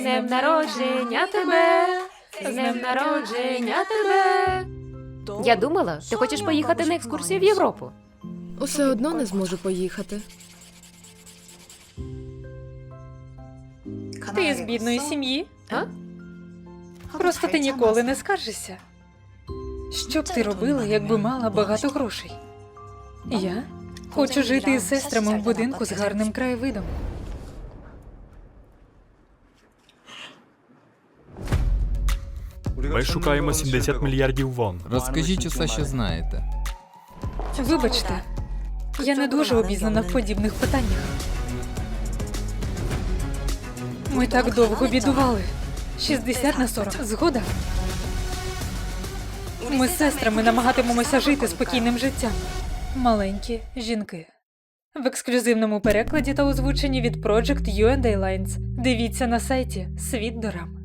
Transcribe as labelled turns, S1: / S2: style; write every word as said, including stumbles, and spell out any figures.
S1: днем народження тебе! З днем народження тебе! Я думала, ти хочеш поїхати на екскурсію в Європу.
S2: Усе одно не зможу поїхати.
S3: Ти з бідної сім'ї?
S1: А?
S3: Просто ти ніколи не скаржишся. Що б ти робила, якби мала багато грошей? Я хочу жити із сестрами в будинку з гарним краєвидом.
S4: Ми шукаємо сімдесят мільярдів вон.
S5: Розкажіть усе, що знаєте.
S3: Вибачте, я не дуже обізнана в подібних питаннях. Ми так довго бідували. шістдесят на сорок. Згода? Ми з сестрами намагатимемося жити спокійним життям. Маленькі жінки. В ексклюзивному перекладі та озвученні від Project ю енд ей Lines. Дивіться на сайті «Світ Дорам».